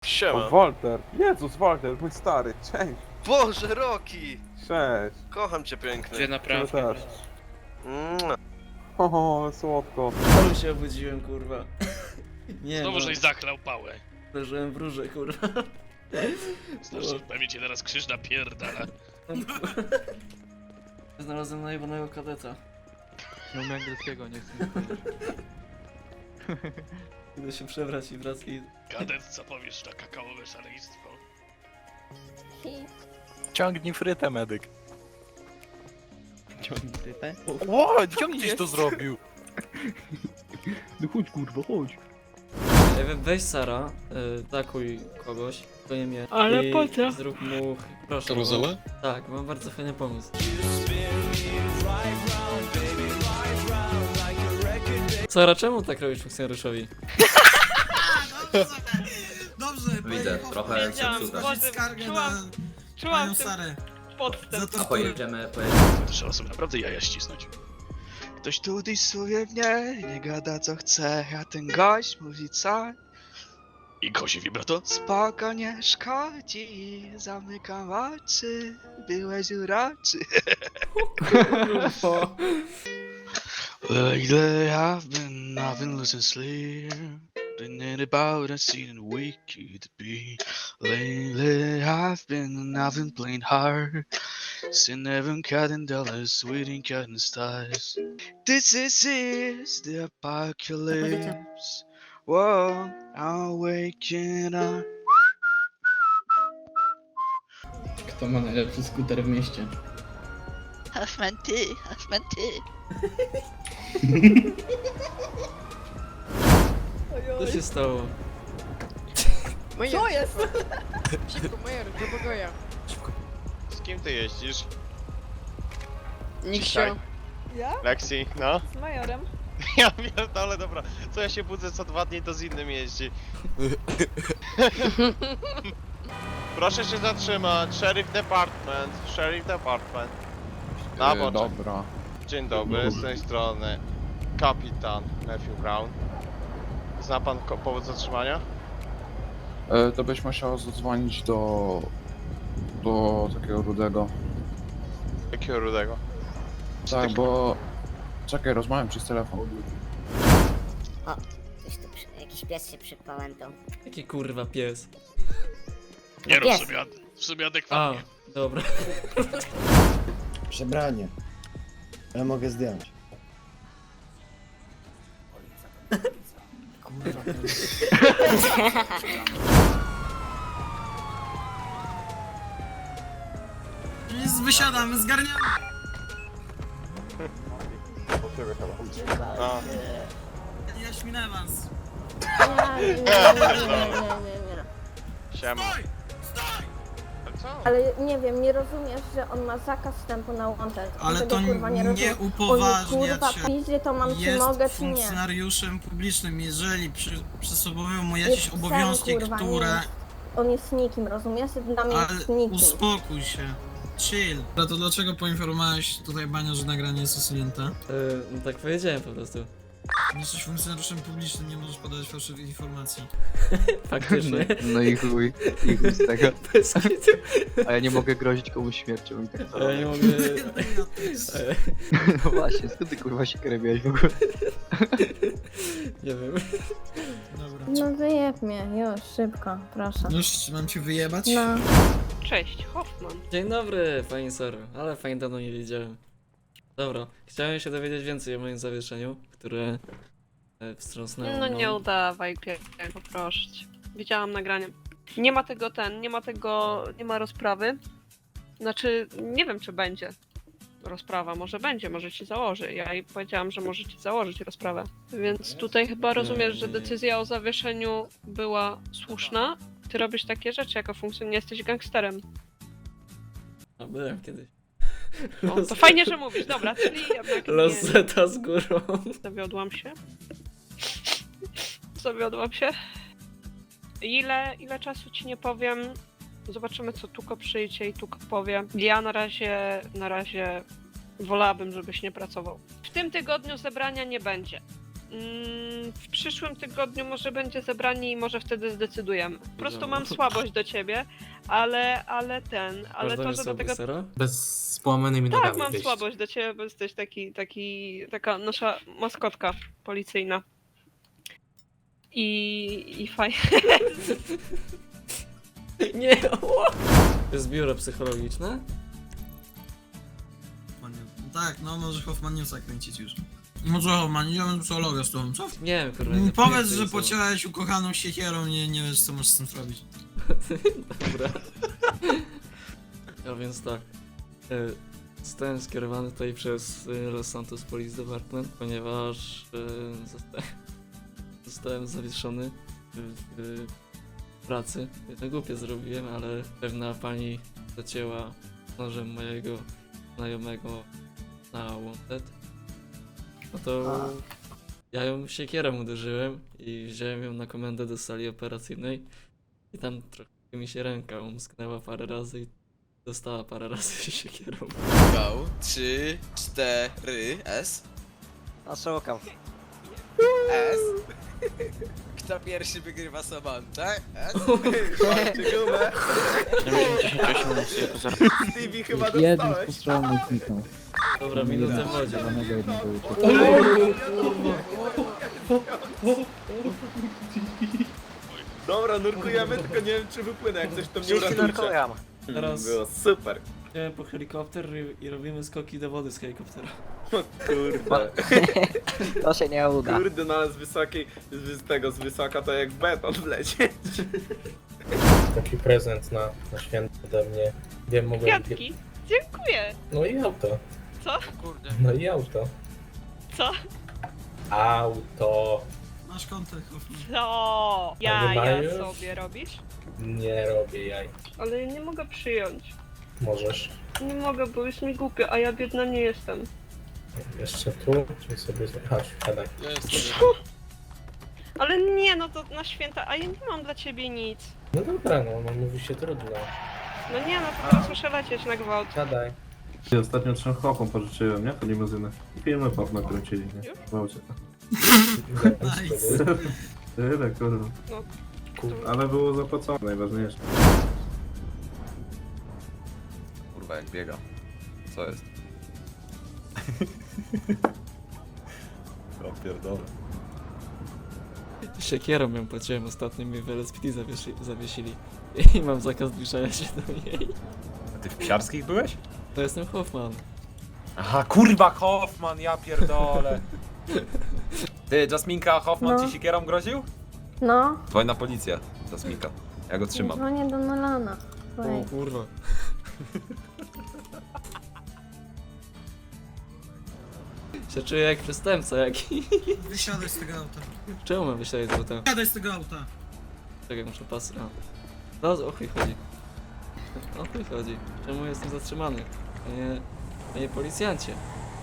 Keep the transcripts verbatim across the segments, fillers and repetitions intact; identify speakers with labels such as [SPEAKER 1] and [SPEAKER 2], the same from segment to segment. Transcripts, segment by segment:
[SPEAKER 1] Siema.
[SPEAKER 2] O, Walter! Jezus, Walter, mój stary, cześć!
[SPEAKER 1] Boże, Roki!
[SPEAKER 2] Cześć!
[SPEAKER 1] Kocham cię piękny.
[SPEAKER 3] Gdzie
[SPEAKER 2] Ciebie
[SPEAKER 3] naprawdę?
[SPEAKER 2] też.
[SPEAKER 1] Mua.
[SPEAKER 2] O, ale słodko.
[SPEAKER 4] Znowu się obudziłem, kurwa. Nie
[SPEAKER 5] Znowu
[SPEAKER 4] no,
[SPEAKER 5] żeś zachlał pałę.
[SPEAKER 4] leżyłem w róże, kurwa.
[SPEAKER 5] Znaczy, pewnie cię teraz krzyż napierdala.
[SPEAKER 4] Znalazłem najebanego kadeta.
[SPEAKER 6] Nie umiem angielskiego, nie chcę mi powiedzieć.
[SPEAKER 4] Idę się przebrać i wracaj.
[SPEAKER 5] Kadet, co powiesz na kakaowe szaleństwo?
[SPEAKER 6] Ciągnij frytę, medyk.
[SPEAKER 4] Ciągnij frytę?
[SPEAKER 6] O, ciągnij to zrobił. No chodź kurwa, chodź.
[SPEAKER 4] Ej, we- weź Sara, y, takuj kogoś, to nie mnie.
[SPEAKER 3] Ale
[SPEAKER 4] i
[SPEAKER 3] po co?
[SPEAKER 4] Zrób mu, proszę.
[SPEAKER 7] Karuzelę?
[SPEAKER 4] Tak, mam bardzo fajny pomysł. Sara, czemu tak robisz funkcjonariuszowi?
[SPEAKER 8] Dobrze,
[SPEAKER 9] Widzę, trochę
[SPEAKER 3] Wiedziałam,
[SPEAKER 9] zepsute.
[SPEAKER 3] Boże,
[SPEAKER 8] skargę na
[SPEAKER 3] czułam, czułam
[SPEAKER 8] panią
[SPEAKER 3] ten
[SPEAKER 8] Sarę.
[SPEAKER 3] podstęp.
[SPEAKER 8] Za
[SPEAKER 9] A
[SPEAKER 8] to, że
[SPEAKER 9] pojedziemy, pojedziemy.
[SPEAKER 5] To trzeba sobie naprawdę jaja ścisnąć. Ktoś tu dysuje mnie, nie gada co chce, a ten gość mówi co? I kozi vibrato? Spoko nie szkodzi, zamykam oczy, byłeś uroczy. Lately I've been, I've been losing sleep. Thinking about a scene and we could be. Lately I've been, I've been playing hard. Sin never cutting dollars, waiting cutting stars. This is, is the apocalypse. Whoa, I'm waking up.
[SPEAKER 4] Kto ma najlepszy skuter w mieście?
[SPEAKER 10] Hoffman ty, Hoffman ty.
[SPEAKER 4] Co się stało?
[SPEAKER 3] Co jest?
[SPEAKER 10] Szybko, Major, do pokoju.
[SPEAKER 1] Z kim ty jeździsz?
[SPEAKER 10] Nikt
[SPEAKER 1] Dzisiaj.
[SPEAKER 10] się.
[SPEAKER 3] Ja?
[SPEAKER 1] Lexi, no?
[SPEAKER 3] Z majorem.
[SPEAKER 1] Ja pierdolę, dobra. Co ja się budzę co dwa dni, to z innym jeździ. Proszę się zatrzymać. Sheriff Department. Sheriff Department. Na boczek.
[SPEAKER 2] Dobra.
[SPEAKER 1] Dzień dobry, z tej strony kapitan Matthew Brown. Zna pan ko- powód zatrzymania?
[SPEAKER 2] E, to byś musiał zadzwonić do... do takiego rudego.
[SPEAKER 1] Jakiego rudego?
[SPEAKER 2] Tak, bo... Czekaj, rozmawiam przez telefon.
[SPEAKER 10] Coś tu przy... jakiś pies się przypałętał.
[SPEAKER 4] Jaki kurwa pies?
[SPEAKER 5] Nie rób
[SPEAKER 10] Jest.
[SPEAKER 5] sobie, ad- w sobie
[SPEAKER 4] A,
[SPEAKER 5] adekwatnie.
[SPEAKER 4] dobra.
[SPEAKER 8] Przebranie. Ja mogę zdjąć. Kurwa. Jest, wysiadamy, zgarniamy.
[SPEAKER 1] No.
[SPEAKER 8] Ja śminę was.
[SPEAKER 10] Nie, nie, nie, nie, nie, nie, nie.
[SPEAKER 1] Siema.
[SPEAKER 8] Stój! Stój!
[SPEAKER 1] Ale co?
[SPEAKER 11] Ale nie wiem, nie rozumiesz, że on ma zakaz wstępu na wanted.
[SPEAKER 8] Ale
[SPEAKER 11] Tego,
[SPEAKER 8] to
[SPEAKER 11] kurwa, nie,
[SPEAKER 8] nie
[SPEAKER 11] rozumiem. On
[SPEAKER 8] upoważnia
[SPEAKER 11] kurwa
[SPEAKER 8] cię.
[SPEAKER 11] piździe, to mam czy
[SPEAKER 8] Jest
[SPEAKER 11] mogę, czy nie.
[SPEAKER 8] funkcjonariuszem publicznym, jeżeli przy, przysługują mu
[SPEAKER 11] Jest
[SPEAKER 8] jakieś
[SPEAKER 11] psem,
[SPEAKER 8] obowiązki,
[SPEAKER 11] kurwa, nie
[SPEAKER 8] które...
[SPEAKER 11] jest. On jest nikim, rozumiesz? Dla mnie
[SPEAKER 8] Ale
[SPEAKER 11] jest nikim.
[SPEAKER 8] uspokój się. Chill. A to dlaczego poinformowałeś tutaj Bania, że nagranie jest usunięte?
[SPEAKER 4] Y, no tak powiedziałem po prostu.
[SPEAKER 8] Jesteś funkcjonariuszem publicznym, nie możesz podawać fałszywych informacji.
[SPEAKER 4] Faktycznie.
[SPEAKER 6] No i chuj, i chuj z tego.
[SPEAKER 4] Bez kitu.
[SPEAKER 6] A ja nie mogę grozić komuś śmiercią i tak
[SPEAKER 4] A ja nie
[SPEAKER 6] dalej.
[SPEAKER 4] mogę...
[SPEAKER 6] No właśnie, skąd ty kurwa się krebiałeś w ogóle?
[SPEAKER 4] Nie wiem.
[SPEAKER 8] Dobra.
[SPEAKER 11] No wyjeb mnie, już, szybko, proszę.
[SPEAKER 8] Już mam cię wyjebać?
[SPEAKER 11] No.
[SPEAKER 3] Cześć, Hoffman.
[SPEAKER 4] Dzień dobry, pani Saro, ale fajnie dawno nie wiedziałem. Dobra, chciałem się dowiedzieć więcej o moim zawieszeniu, które e, wstrząsnęło
[SPEAKER 3] No
[SPEAKER 4] mną.
[SPEAKER 3] nie udawaj, Piego, proszę cię. Widziałam nagranie. Nie ma tego ten, nie ma tego, nie ma rozprawy. Znaczy, nie wiem czy będzie rozprawa, może będzie, może ci założy. Ja jej powiedziałam, że może ci założyć rozprawę. Więc tutaj chyba rozumiesz, że decyzja o zawieszeniu była słuszna. Ty robisz takie rzeczy jako funkcjonariusz, nie jesteś gangsterem.
[SPEAKER 4] A byłem kiedyś.
[SPEAKER 3] No, to fajnie, że mówisz, dobra, czyli jednak nie.
[SPEAKER 4] Rosetta z górą.
[SPEAKER 3] Zawiodłam się. Zawiodłam się. Ile, ile czasu ci nie powiem. Zobaczymy, co Tuko przyjdzie i Tuko powie. Ja na razie, na razie wolałabym, żebyś nie pracował. W tym tygodniu zebrania nie będzie. Mm, w przyszłym tygodniu może będzie zebranie i może wtedy zdecydujemy. Po prostu mam słabość do ciebie, ale, ale ten, ale to, że do tego...
[SPEAKER 4] Sera?
[SPEAKER 8] Bez połamanymi
[SPEAKER 3] Tak,
[SPEAKER 8] nogami
[SPEAKER 3] mam
[SPEAKER 8] wyjść.
[SPEAKER 3] słabość do ciebie, bo jesteś taki, taki, taka nasza maskotka policyjna. I, i fajnie.
[SPEAKER 4] Nie, ała! To jest biuro psychologiczne?
[SPEAKER 8] Tak, no może Hoffman Newsa kręcić już. Może Hoffman, idziemy do psychologa z tobą, co?
[SPEAKER 4] Nie wiem, kurwa.
[SPEAKER 8] Mm,
[SPEAKER 4] nie
[SPEAKER 8] Powiedz,
[SPEAKER 4] pamiętam,
[SPEAKER 8] że
[SPEAKER 4] co-
[SPEAKER 8] pociąłeś ukochaną siekierą, nie, nie wiesz co możesz z tym zrobić.
[SPEAKER 4] Dobra. A więc tak. e, Zostałem skierowany tutaj przez e, Los Santos Police Department, ponieważ e, zosta zostałem zawieszony w, w pracy. To głupie zrobiłem, ale pewna pani zacięła nożem mojego znajomego na wanted. No to ja ją siekierą uderzyłem i wziąłem ją na komendę do sali operacyjnej i tam trochę mi się ręka umsknęła parę razy i dostała parę razy siekierą.
[SPEAKER 7] Go, trzy, cztery, S.
[SPEAKER 9] No szukam.
[SPEAKER 7] S. Kto pierwszy wygrywa Samantę? S. Stevie chyba dostałeś.
[SPEAKER 4] Dobra, minutę w wodzie.
[SPEAKER 7] Dobra, nurkujemy, tylko nie wiem czy wypłynę, jak coś to mnie
[SPEAKER 9] Wszyscy
[SPEAKER 7] uratujcie.
[SPEAKER 9] narkogram.
[SPEAKER 4] Teraz
[SPEAKER 7] Było super.
[SPEAKER 4] idziemy po helikopter i, i robimy skoki do wody z helikoptera.
[SPEAKER 7] Kurde.
[SPEAKER 9] To się nie uda.
[SPEAKER 7] Kurde, no ale z wysokiej, z tego, z wysoka to jak w beton wlecieć.
[SPEAKER 6] Taki prezent na, na święto ode mnie. Wiem, mogłem...
[SPEAKER 3] Kwiatki. Dziękuję.
[SPEAKER 6] No i auto.
[SPEAKER 3] Co?
[SPEAKER 6] No i auto.
[SPEAKER 3] Co?
[SPEAKER 6] Auto.
[SPEAKER 8] Masz kontakt, Hoffman.
[SPEAKER 3] Co?
[SPEAKER 6] nie
[SPEAKER 3] Ja,
[SPEAKER 6] ma
[SPEAKER 3] ja
[SPEAKER 6] już?
[SPEAKER 3] sobie robisz?
[SPEAKER 6] Nie robię jaj.
[SPEAKER 3] Ale nie mogę przyjąć.
[SPEAKER 6] Możesz.
[SPEAKER 3] Nie mogę, bo jest mi głupio, a ja biedna nie jestem.
[SPEAKER 6] Jeszcze tu, czy sobie... Chodź, siadaj.
[SPEAKER 3] Ale nie, no to na święta, a ja nie mam dla ciebie nic.
[SPEAKER 6] No dobra, no, no mówi się trudno.
[SPEAKER 3] No nie, no to teraz muszę lecieć na gwałt.
[SPEAKER 6] Siadaj.
[SPEAKER 12] Ostatnio trzem chłopom pożyczyłem, nie? To limuzynę. I filmy pop nakręcili, nie? Gwałcie.
[SPEAKER 8] Nice.
[SPEAKER 12] Tyle, kurwa.
[SPEAKER 3] No.
[SPEAKER 12] Ale było zapłacone, najważniejsze.
[SPEAKER 7] Kurwa, jak biega. Co jest? O pierdolę.
[SPEAKER 4] Siekierą ją płaciłem ostatnio, mi w L S P D zawiesi zawiesili. I mam zakaz zbliżania się do niej.
[SPEAKER 7] A ty w Psiarskich byłeś?
[SPEAKER 4] To jestem Hoffman.
[SPEAKER 7] Aha, kurwa Hoffman, ja pierdolę. Ty, Jasminka, Hoffman
[SPEAKER 11] No.
[SPEAKER 7] ci sikierą groził?
[SPEAKER 11] No,
[SPEAKER 7] Dzwoń na policję, Jasminka. Ja go trzymam.
[SPEAKER 11] dzwonię do Nolana.
[SPEAKER 4] O
[SPEAKER 11] Oj.
[SPEAKER 4] kurwa. Się czuję jak przestępca jaki.
[SPEAKER 8] Wysiadaj z tego auta.
[SPEAKER 4] Czemu mam wysiadać z auta?
[SPEAKER 8] Wysiadaj z tego auta.
[SPEAKER 4] Czekaj, muszę pas... A. No, o chuj chodzi. O chuj chodzi. Czemu jestem zatrzymany? Panie... Panie policjancie.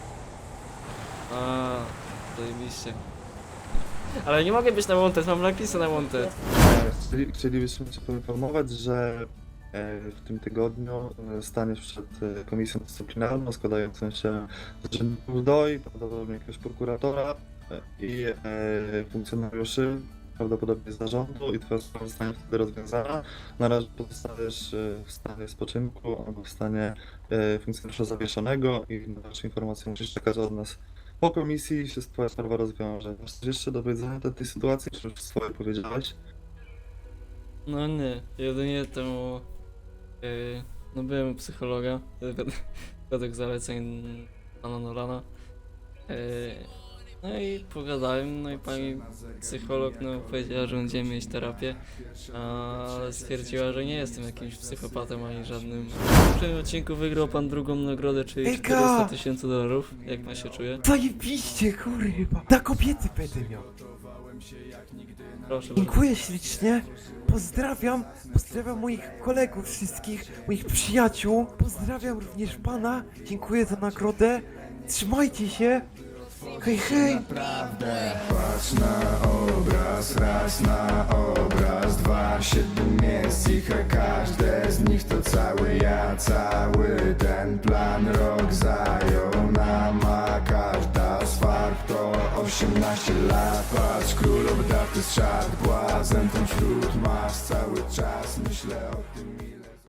[SPEAKER 4] A, zajebiście. Ale nie mogę być na wanted, mam napisy na wanted.
[SPEAKER 12] Chcieli, chcielibyśmy Cię poinformować, że e, w tym tygodniu e, staniesz przed e, komisją dyscyplinarną składającą się z urzędników D O I, prawdopodobnie jakiegoś prokuratora e, i e, funkcjonariuszy, prawdopodobnie z zarządu i Twoja sprawa zostanie wtedy rozwiązana. Na razie pozostajesz e, w stanie spoczynku albo w stanie e, funkcjonariusza zawieszonego i na dalsze informacje musisz czekać od nas po komisji i się Twoja sprawa rozwiąże. Masz coś jeszcze do powiedzenia do tej sytuacji, czy już swoje powiedziałeś?
[SPEAKER 4] No nie, jedynie to... Yy, no byłem u psychologa, wed- według zaleceń pana Nolana. Yy, no i pogadałem, no i pani psycholog no, powiedziała, że będziemy mieć terapię, ale stwierdziła, że nie jestem jakimś psychopatą ani żadnym. W poprzednim odcinku wygrał pan drugą nagrodę, czyli czterysta tysięcy dolarów. Jak pan się czuje?
[SPEAKER 9] Zajebiście, kurwa. Na kobiety będę miał.
[SPEAKER 4] Proszę bardzo.
[SPEAKER 9] Dziękuję ślicznie. Pozdrawiam. Pozdrawiam moich kolegów wszystkich, moich przyjaciół. Pozdrawiam również pana. Dziękuję za nagrodę. Trzymajcie się. Hej, hej.
[SPEAKER 13] Patrz na obraz, raz na obraz, dwa, siedem miejsc ich, a każde z nich to cały ja, cały ten plan rok zajął nam, a każda z farb to osiemnaście lat, patrz, król obdarty z szat, błazen ten wśród mas, cały czas myślę o tym ile